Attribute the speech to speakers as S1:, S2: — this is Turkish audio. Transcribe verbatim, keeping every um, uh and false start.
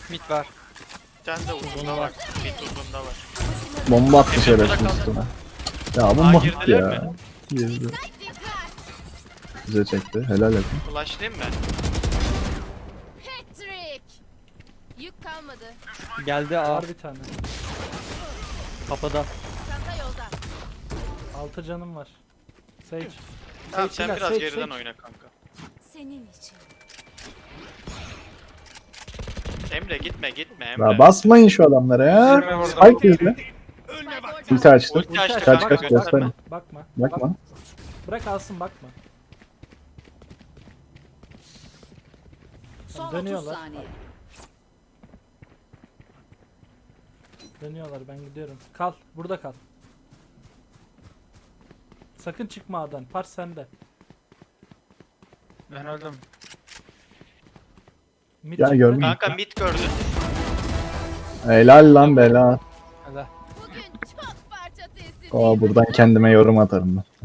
S1: Mid var.
S2: Bir tane de uzunda var. Mid uzunda var.
S3: Bomba attı
S2: Emre
S3: şerefsiz
S2: burada
S3: üstüne. Ya bomba
S2: Aa,
S3: attı
S2: girdiler
S3: ya.
S2: mi?
S3: Girdi. Bize çekti. Helal edin.
S2: Flashlayayım mı?
S4: Patrick. Yük kalmadı.
S1: Geldi A.
S5: Var bir tane.
S1: Kapıda.
S4: Çanta yolda.
S5: Altı canım var. Sage.
S2: Tamam
S5: Sage
S2: sen
S5: silah,
S2: biraz
S5: Sage,
S2: geriden
S5: Sage.
S2: oyna kanka.
S4: Senin için.
S2: Emre gitme gitme Emre.
S3: Ya basmayın şu adamlara ya. Spike yüzü. Ulti açtı.
S2: Ulti açtı
S3: Kaç
S2: kanka,
S3: kaç
S2: gösterme.
S3: gösterme.
S5: Bakma.
S3: Bakma.
S5: Bırak alsın bakma.
S6: Son
S5: Dönüyorlar.
S6: otuz saniye.
S5: Dönüyorlar ben gidiyorum. Kal. Burada kal. Sakın çıkma A'dan. Par sende.
S1: Ben öldüm.
S5: Mid
S3: Ya
S5: çıktı.
S3: görmüyorum.
S2: Kanka mid gördün.
S3: Helal lan bela.
S1: Hadi.
S4: Bugün çok parça teslim.
S3: Aa buradan kendime yorum atarım ben.